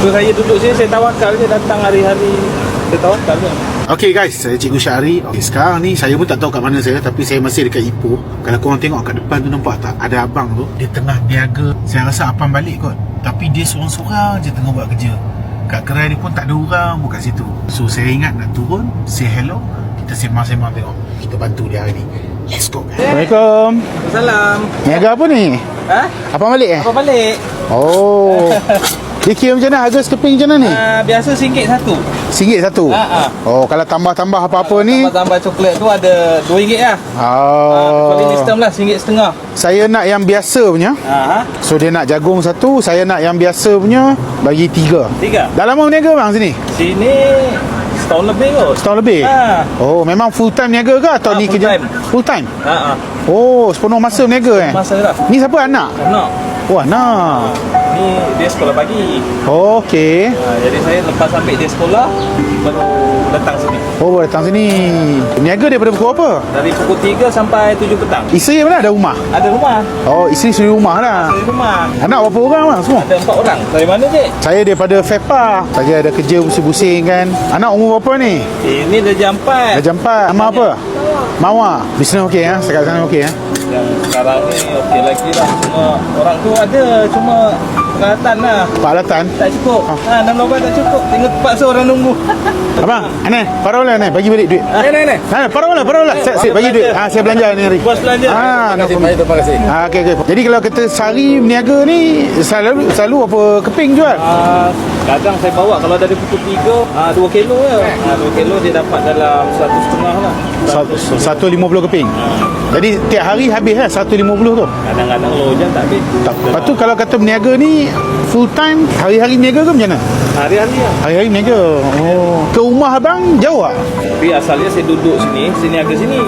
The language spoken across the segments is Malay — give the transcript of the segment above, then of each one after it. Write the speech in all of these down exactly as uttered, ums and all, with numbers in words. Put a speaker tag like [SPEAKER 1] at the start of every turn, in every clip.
[SPEAKER 1] Saya duduk sini, saya tawakal je datang hari-hari. Saya tawakal je.
[SPEAKER 2] Okay guys, saya Cikgu Syahri. Okay, sekarang ni saya pun tak tahu kat mana saya, tapi saya masih dekat Ipoh. Kalau korang tengok kat depan tu, nampak tak? Ada abang tu, dia tengah niaga. Saya rasa abang balik kot, tapi dia seorang-seorang je tengah buat kerja. Kat gerai dia pun tak ada orang pun kat situ. So saya ingat nak turun, say hello, kita sembang-sembang tengok. Kita bantu dia hari ni. Let's go guys. Assalamualaikum.
[SPEAKER 1] Salam.
[SPEAKER 2] Niaga apa ni?
[SPEAKER 1] Ha?
[SPEAKER 2] Abang balik eh?
[SPEAKER 1] Apa balik?
[SPEAKER 2] Oh. Dia kira macam mana? Harga sekeping macam mana ni?
[SPEAKER 1] Uh, biasa singgit satu.
[SPEAKER 2] Singgit satu?
[SPEAKER 1] Ha, ha.
[SPEAKER 2] Oh, kalau tambah-tambah apa-apa
[SPEAKER 1] uh,
[SPEAKER 2] ni?
[SPEAKER 1] Tambah-tambah coklat tu ada dua ringgit lah.
[SPEAKER 2] Oh.
[SPEAKER 1] Kuali uh, sistem lah, singgit setengah.
[SPEAKER 2] Saya nak yang biasa punya.
[SPEAKER 1] Ha.
[SPEAKER 2] So dia nak jagung satu, saya nak yang biasa punya, bagi tiga.
[SPEAKER 1] Tiga?
[SPEAKER 2] Dah lama berniaga bang sini?
[SPEAKER 1] Sini setahun lebih kot.
[SPEAKER 2] Setahun lebih?
[SPEAKER 1] Ha.
[SPEAKER 2] Oh, memang full time niaga ke atau
[SPEAKER 1] Ha,
[SPEAKER 2] ni
[SPEAKER 1] full
[SPEAKER 2] kerja?
[SPEAKER 1] time.
[SPEAKER 2] Full time?
[SPEAKER 1] Ha, ha.
[SPEAKER 2] Oh, sepenuh masa berniaga eh?
[SPEAKER 1] Masa lah.
[SPEAKER 2] Ni siapa anak?
[SPEAKER 1] Anak.
[SPEAKER 2] Oh, anak.
[SPEAKER 1] Ni dia sekolah pagi.
[SPEAKER 2] Oh, okey.
[SPEAKER 1] Ha, jadi saya lepas ambil dia sekolah, baru datang sini.
[SPEAKER 2] Oh, baru datang sini. Niaga daripada pukul apa?
[SPEAKER 1] Dari pukul tiga sampai tujuh petang.
[SPEAKER 2] Isteri mana ada rumah?
[SPEAKER 1] Ada rumah.
[SPEAKER 2] Oh, isteri suri rumah lah.
[SPEAKER 1] Ada rumah.
[SPEAKER 2] Anak berapa orang bang semua?
[SPEAKER 1] Ada empat orang. Dari mana je?
[SPEAKER 2] Saya daripada FEPA. Saya ada kerja pusing-pusing kan. Anak umur berapa ni?
[SPEAKER 1] Ini dah jam empat.
[SPEAKER 2] Dah jam empat. Nama apa? Mawar. Bisnes okey ya? Sekat sana okey ya?
[SPEAKER 1] Yang sekarang ni okey lagi lah. Cuma orang tu ada, cuma peralatan lah
[SPEAKER 2] Peralatan?
[SPEAKER 1] tak cukup. Ha, enam lubang tak cukup. Tengok terpaksa orang nunggu.
[SPEAKER 2] Abang, aneh, parola aneh, bagi balik duit.
[SPEAKER 1] Ha, ni ni.
[SPEAKER 2] Ha, parola, parola. Saya, saya bagi duit. Ha, saya belanja ni hari.
[SPEAKER 1] Puas belanja.
[SPEAKER 2] Ha,
[SPEAKER 1] Terima kasih, baik, terima kasih.
[SPEAKER 2] Ha, okey okey. Jadi kalau kita sehari berniaga ni selalu selalu apa keping jual?
[SPEAKER 1] Ah, kadang saya bawa kalau dari pukul tiga, ah, dua kilo je. Ah, dua kilo dia dapat dalam satu setengah lah.
[SPEAKER 2] seratus lima puluh keping. Jadi tiap hari habis lah seratus lima puluh tu.
[SPEAKER 1] Kadang-kadang lojan tak habis.
[SPEAKER 2] Tak. Lepas tu kalau kata berniaga ni full time, hari-hari berniaga ke macam mana?
[SPEAKER 1] Hari-hari lah.
[SPEAKER 2] Hari-hari berniaga. Oh. Ke rumah abang jauh tak?
[SPEAKER 1] Tapi asalnya saya duduk sini, sini agak sini.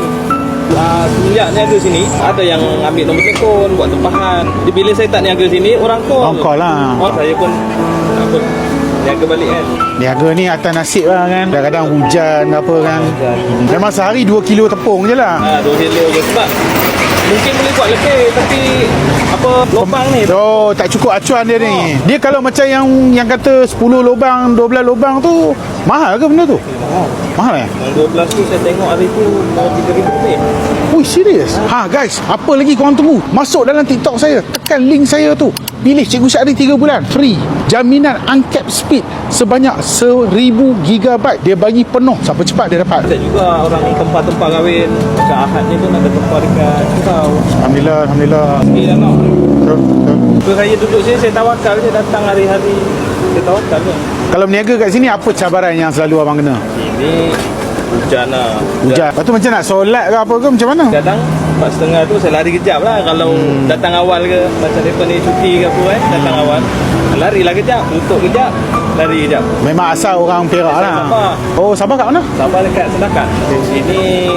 [SPEAKER 1] Uh, semenjak niaga sini, ada yang ambil nombor telefon, buat tempahan. Jadi bila saya tak niaga sini, orang call.
[SPEAKER 2] Orang call lah.
[SPEAKER 1] Oh, saya pun apa, niaga balik kan.
[SPEAKER 2] Niaga ni atas nasib lah kan. Kadang-kadang hujan apa kan. Memang sehari dua kilo tepung je lah.
[SPEAKER 1] Ha, dua kilo je sebab mungkin boleh buat lebih, tapi apa lubang ni.
[SPEAKER 2] Oh, tak cukup acuan dia ni. Dia kalau macam yang yang kata sepuluh lubang, dua belas lubang tu, mahal ke benda tu?
[SPEAKER 1] Oh.
[SPEAKER 2] Mahal eh?
[SPEAKER 1] Yang dua belas tu saya tengok hari tu tiga ribu lebih.
[SPEAKER 2] Ui, serius? Ha guys, apa lagi korang tunggu? Masuk dalam TikTok saya, tekan link saya tu. Pilih Cikgu Syahri tiga bulan free. Jaminan uncapped speed sebanyak seribu gigabyte. Dia bagi penuh. Siapa cepat dia dapat.
[SPEAKER 1] Ada juga orang tempah-tempah kahwin. Macam Ahad ni pun ada tempah dekat Cukau.
[SPEAKER 2] Alhamdulillah, alhamdulillah.
[SPEAKER 1] Sikit lah nak.
[SPEAKER 2] Betul, betul.
[SPEAKER 1] So, saya duduk sini, saya tawakal je datang hari-hari. Saya tawakal je.
[SPEAKER 2] Kalau berniaga kat sini, apa cabaran yang selalu abang kena?
[SPEAKER 1] Ini hujan lah.
[SPEAKER 2] Hujan. Lepas tu macam nak solat ke apa ke macam mana?
[SPEAKER 1] Kadang empat setengah tu saya lari kejap lah. Kalau hmm. datang awal ke, macam mereka ni cuti ke apa kan, datang awal, larilah kejap, tutup kejap, lari kejap.
[SPEAKER 2] Memang asal orang Perak lah.
[SPEAKER 1] Sabah.
[SPEAKER 2] Oh, Sabah kat mana?
[SPEAKER 1] Sabah dekat Sedakan. Ini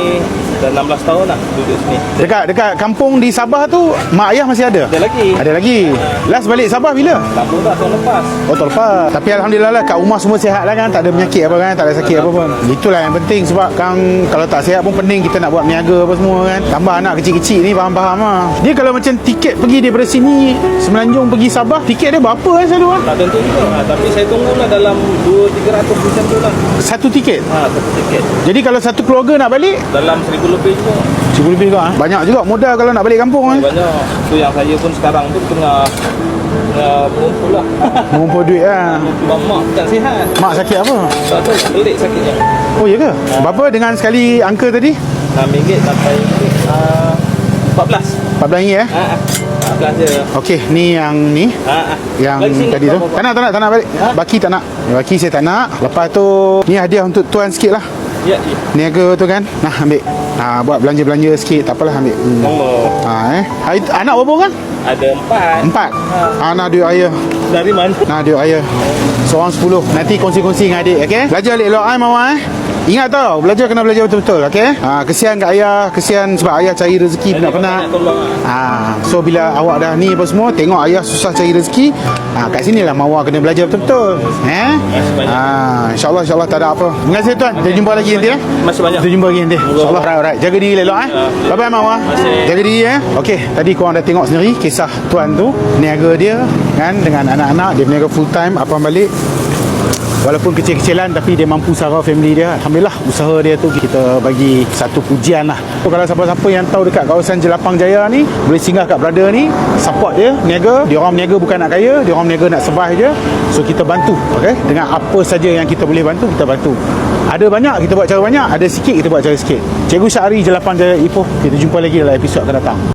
[SPEAKER 1] dah enam belas tahun lah duduk sini.
[SPEAKER 2] Dekat dekat kampung di Sabah tu, mak ayah masih ada?
[SPEAKER 1] Ada lagi.
[SPEAKER 2] Ada lagi. Last balik Sabah bila?
[SPEAKER 1] Lama tak tahun lepas.
[SPEAKER 2] Oh, tahun lepas. Tapi alhamdulillah lah, kat rumah semua sihat lah kan. Tak ada penyakit apa kan, tak ada sakit apa pun. Itulah yang penting sebab kan kalau tak sihat pun pening kita nak buat niaga apa semua kan. Tambah anak kecil-kecil ni faham-faham lah. Dia kalau macam tiket pergi daripada sini Semenanjung pergi Sabah, tiket dia berapa kan selalu kan?
[SPEAKER 1] Tak tentu juga. Ha, tapi saya tunggulah dalam dua tiga ratus macam tu lah.
[SPEAKER 2] Satu tiket?
[SPEAKER 1] Ha, satu tiket.
[SPEAKER 2] Jadi kalau satu keluarga nak balik?
[SPEAKER 1] Dalam seribu lebih juga.
[SPEAKER 2] Seribu lebih ke? Banyak juga modal kalau nak balik kampung kan?
[SPEAKER 1] Banyak. Tu yang saya pun sekarang tu tengah tengah mengumpul lah.
[SPEAKER 2] Mengumpul duit lah.
[SPEAKER 1] Sebab mak tak sihat.
[SPEAKER 2] Mak sakit apa?
[SPEAKER 1] Sebab tu pelik sakitnya.
[SPEAKER 2] Oh ya ke? Berapa dengan sekali angka tadi?
[SPEAKER 1] enam ringgit sampai uh, empat belas.
[SPEAKER 2] empat belas ringgit eh?
[SPEAKER 1] Ha, empat belas je.
[SPEAKER 2] Okey, ni yang ni.
[SPEAKER 1] Ha,
[SPEAKER 2] Yang tadi tu. Tak nak, tak nak, tak nak balik.
[SPEAKER 1] Ha?
[SPEAKER 2] Baki tak nak. Baki saya tak nak. Lepas tu ni hadiah untuk tuan sikit lah.
[SPEAKER 1] Ya, ya.
[SPEAKER 2] Niaga tu kan. Nah, ambil. Ha, buat belanja-belanja sikit. Tak apalah, ambil. Hmm.
[SPEAKER 1] Nombor.
[SPEAKER 2] Ha, eh. Hari, anak berapa orang?
[SPEAKER 1] Ada empat.
[SPEAKER 2] Empat.
[SPEAKER 1] Ha.
[SPEAKER 2] Anak duit ayah.
[SPEAKER 1] Dari mana?
[SPEAKER 2] Nah, duit ayah. Seorang sepuluh. Nanti kongsi-kongsi dengan adik, okey? Belajar elok-elok, eh, Mama, eh? Ingat tau, belajar kena belajar betul-betul, okey? Ha, kesian kat ayah, kesian sebab ayah cari rezeki penat-penat.
[SPEAKER 1] Nak tolong lah.
[SPEAKER 2] Ha, so bila awak dah ni apa semua, tengok ayah susah cari rezeki, ha, kat sinilah Mawar kena belajar betul-betul. Eh? Ha, insya-Allah insya-Allah tak ada apa. Terima kasih tuan. Kita jumpa lagi nanti eh.
[SPEAKER 1] Masih banyak.
[SPEAKER 2] Kita jumpa lagi nanti. Insya-Allah. Alright, alright. Jaga diri elok eh. Bye bye Mawar. Jaga diri eh. Okey, tadi korang dah tengok sendiri kisah tuan tu, niaga dia kan dengan anak-anak, dia berniaga full time apa balik. Walaupun kecil-kecilan tapi dia mampu sara family dia. Alhamdulillah usaha dia tu kita bagi satu pujian lah. So, kalau siapa-siapa yang tahu dekat kawasan Jelapang Jaya ni, boleh singgah kat brother ni, support dia, niaga. Dia orang niaga bukan nak kaya, dia orang niaga nak survive je. So kita bantu, okay? Dengan apa saja yang kita boleh bantu, kita bantu. Ada banyak, kita buat cara banyak. Ada sikit, kita buat cara sikit. Cikgu Syahri, Jelapang Jaya Ipoh. Kita jumpa lagi dalam episod akan datang.